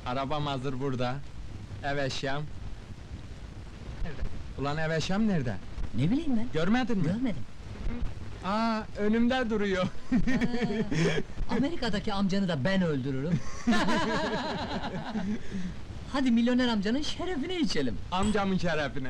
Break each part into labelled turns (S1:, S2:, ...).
S1: Arabam hazır burada. Ev eşyam. Ulan ev eşyam nerede?
S2: Ne bileyim ben?
S1: Görmedin mi?
S2: Görmedim.
S1: Aa, önümde duruyor.
S2: Amerika'daki amcanı da ben öldürürüm. Hadi milyoner amcanın şerefine içelim.
S1: Amcamın şerefine.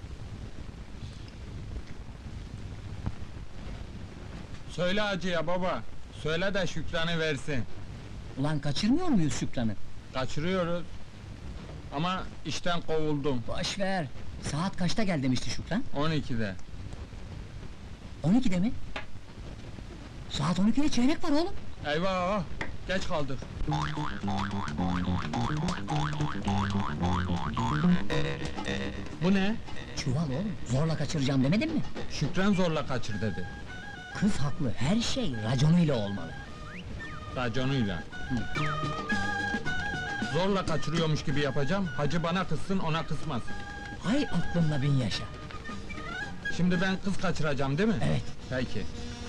S1: Söyle hacıya baba. Söyle de Şükran'ı versin.
S2: Ulan kaçırmıyor muyuz Şükran'ı?
S1: Kaçırıyoruz. Ama işten kovuldum.
S2: Boş ver. Saat kaçta gel demişti Şükran?
S1: 12'de.
S2: 12'de mi? Saat 12'de çeyrek var oğlum.
S1: Eyvah! Geç kaldık. Bu ne?
S2: Çuval oğlum. Zorla kaçıracağım demedin mi?
S1: Şükran zorla kaçır dedi.
S2: Kız haklı. Her şey raconuyla olmalı.
S1: Raconuyla. Zorla kaçırıyormuş gibi yapacağım. Hacı bana kızsın, ona kızmasın.
S2: Hay aklınla bin yaşa.
S1: Şimdi ben kız kaçıracağım değil mi?
S2: Evet.
S1: Peki.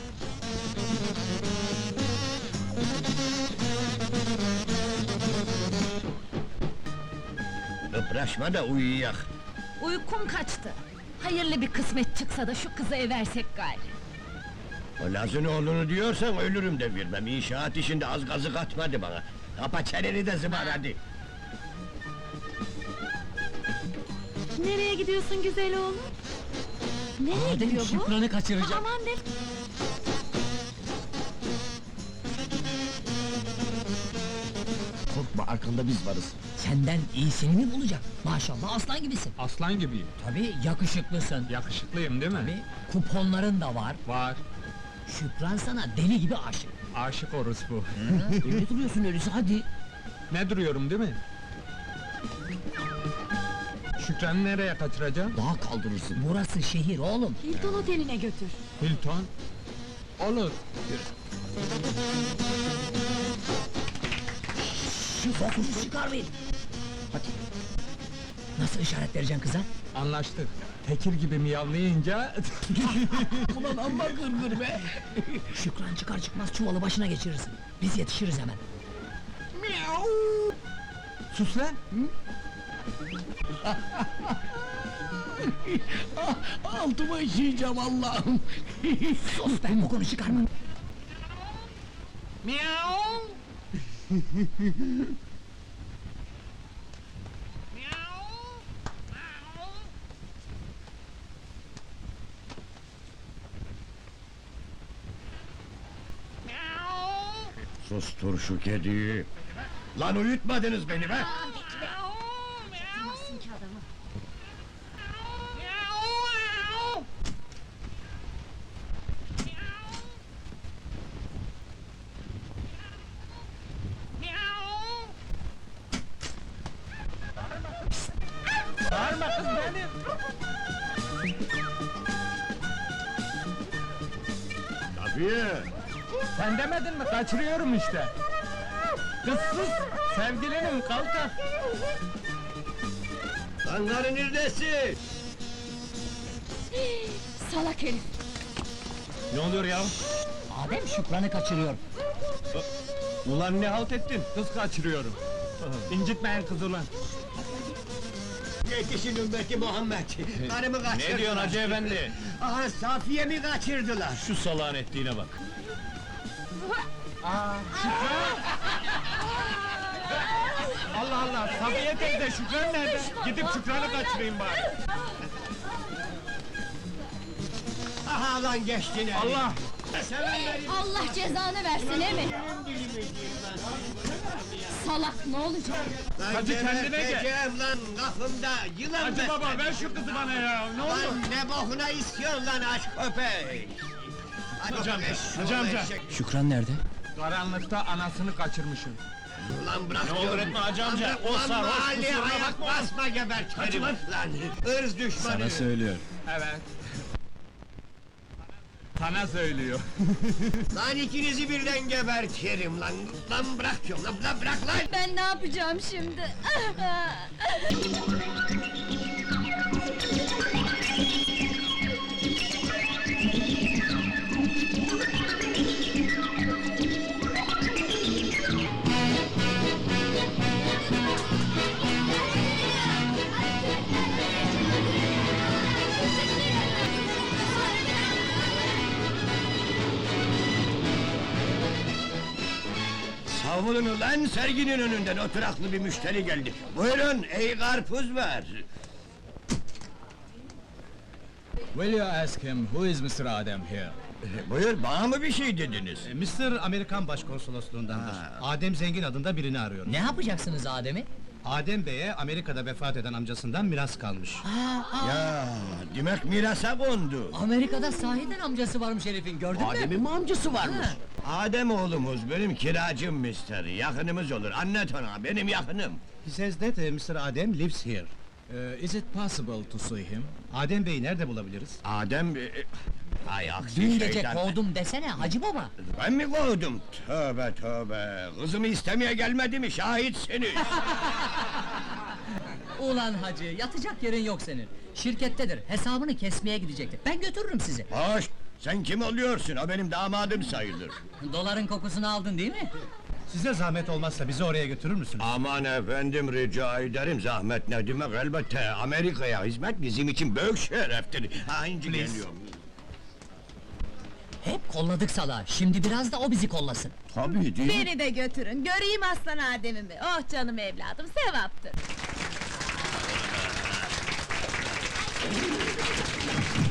S3: Öpraşma da uyuyak.
S4: Uykum kaçtı. Hayırlı bir kısmet çıksa da şu kızı eversek gari.
S3: O Laz'ın oğlunu diyorsan ölürüm de vermem. İnşaat işinde az gazı katmadı bana. Kapa çeneni de zıbar hadi.
S4: Nereye gidiyorsun güzel oğlum? Nereye
S2: Adem
S4: gidiyor bu?
S2: Şükran'ı kaçıracak.
S4: Aman ne?
S3: Korkma arkanda biz varız.
S2: Senden iyisini mi bulacak? Maşallah aslan gibisin.
S1: Aslan gibiyim.
S2: Tabii yakışıklısın.
S1: Yakışıklıyım değil mi?
S2: Tabii kuponların da var.
S1: Var.
S2: Şükran sana deli gibi aşık.
S1: Aşık orospu.
S2: Öyle duruyorsun öyleyse hadi.
S1: Ne duruyorum değil mi? Şükran'ı nereye kaçıracağım?
S2: Daha kaldırırsın. Burası şehir oğlum.
S4: Hilton Oteli'ne götür.
S1: Hilton. Olur.
S2: Şu fokusu çıkarmayın. Hadi. Nasıl işaret vereceksin kıza?
S1: Anlaştık. Tekir gibi miyavlayınca...
S2: Ulan amma gırgır be! Şükran çıkar çıkmaz çuvalı başına geçirirsin. Biz yetişiriz hemen.
S1: Sus lan!
S3: Altıma işeyeceğim Allah'ım.
S2: Sus be, kokunu çıkarma!
S1: Miau!
S3: Sustur şu kediyi. Lan uyutmadınız beni be!
S4: Tutmazsın ki adamı.
S1: Bağırma kız benim!
S3: Tabii.
S1: Sen demedin mi? Kaçırıyorum işte! Kız sus! Sevgilinim, kaltak!
S3: Lan karı neredesin?
S4: Salak herif.
S1: Ne oluyor ya?
S2: Adem Şükran'ı kaçırıyor.
S1: Ulan ne halt ettin? Kız kaçırıyorum. İncitmeyin kız ulan!
S3: Yetişin ümmeti Muhammed. Karımı kaçırdılar.
S5: Ne diyorsun hacı efendi?
S3: Aha Safiye'mi kaçırdılar.
S5: Şu salağın ettiğine bak.
S1: Allah Allah! Safiye teyze, Şükran nerede? Gidip Şükran'ı kaçırayım bari!
S3: Aha lan geçtin eli.
S1: Allah!
S3: Sen benim
S4: Allah cezanı versin emi.
S3: dilimi girmez.
S4: Salak ne olacak?
S3: Lan
S1: Hacı kendine gel.
S3: geberteceğim lan kafımda yılan
S1: Hacı
S3: besledim.
S1: baba ver şu kızı bana ya! Ne olur!
S3: Lan ne bokuna istiyorsun lan aç köpek!
S5: Hacı amca,
S3: Eşşoğlu
S5: hacı amca.
S3: eşek.
S2: Şükran nerede?
S1: Karanlıkta anasını kaçırmışım.
S3: Ulan bırak
S5: Ne olur
S3: diyorum.
S5: etme hacı
S3: Lan
S5: amca,
S3: bırak,
S5: o
S3: ulan
S5: sarhoş,
S3: mahalleye
S5: kusuruna
S3: ayak
S5: bakma.
S3: basma gebertirim.
S5: Hacı lan.
S3: Lan ırz düşmanı.
S5: söylüyor.
S1: Evet. Sana söylüyor.
S3: Lan ikinizi birden gebertirim lan. Lan bırak diyorum lan bırak lan.
S4: Ben ne yapacağım şimdi?
S3: Davulun ulan serginin önünden oturaklı bir müşteri geldi. Buyurun, ey karpuz var.
S1: Will you ask him who is Mr. Adem here?
S3: Buyur, bana mı bir şey dediniz?
S5: Mr. Amerikan Başkonsolosluğundandır. Adem Zengin adında birini arıyorum.
S2: Ne yapacaksınız Adem'i?
S5: Adem Bey'e Amerika'da vefat eden amcasından miras kalmış.
S3: Ya, demek mirasa kondu.
S2: Amerika'da sahiden amcası varmış herifin, gördün mü?
S3: Adem'in mi amcası varmış? Adem oğlumuz, benim kiracım mister, yakınımız olur, anlat ona, benim yakınım.
S5: He says that Mr. Adem lives here.
S1: Is it possible to see him?
S5: Adem Bey'i nerede bulabiliriz?
S3: Adem... Ay aksi
S2: Dün gece
S3: şeytan.
S2: kovdum desene Hacı Baba!
S3: Ben mi kovdum? Tövbe tövbe! Kızımı istemeye gelmedi mi? Şahitsiniz!
S2: Ulan Hacı, yatacak yerin yok senin! Şirkettedir, hesabını kesmeye gidecekti. Ben götürürüm sizi!
S3: Hoş! Sen kim oluyorsun? O benim damadım sayılır.
S2: Doların kokusunu aldın değil mi?
S5: Size zahmet olmazsa bizi oraya götürür müsünüz?
S3: Aman efendim, rica ederim, zahmet ne demek, elbette! Amerika'ya hizmet bizim için büyük şereftir! Ha, inci geliyorum!
S2: Hep kolladık salağı, şimdi biraz da o bizi kollasın!
S3: Tabii değil mi?
S4: Beni de götürün, göreyim aslan Adem'imi. Oh canım evladım, sevaptır.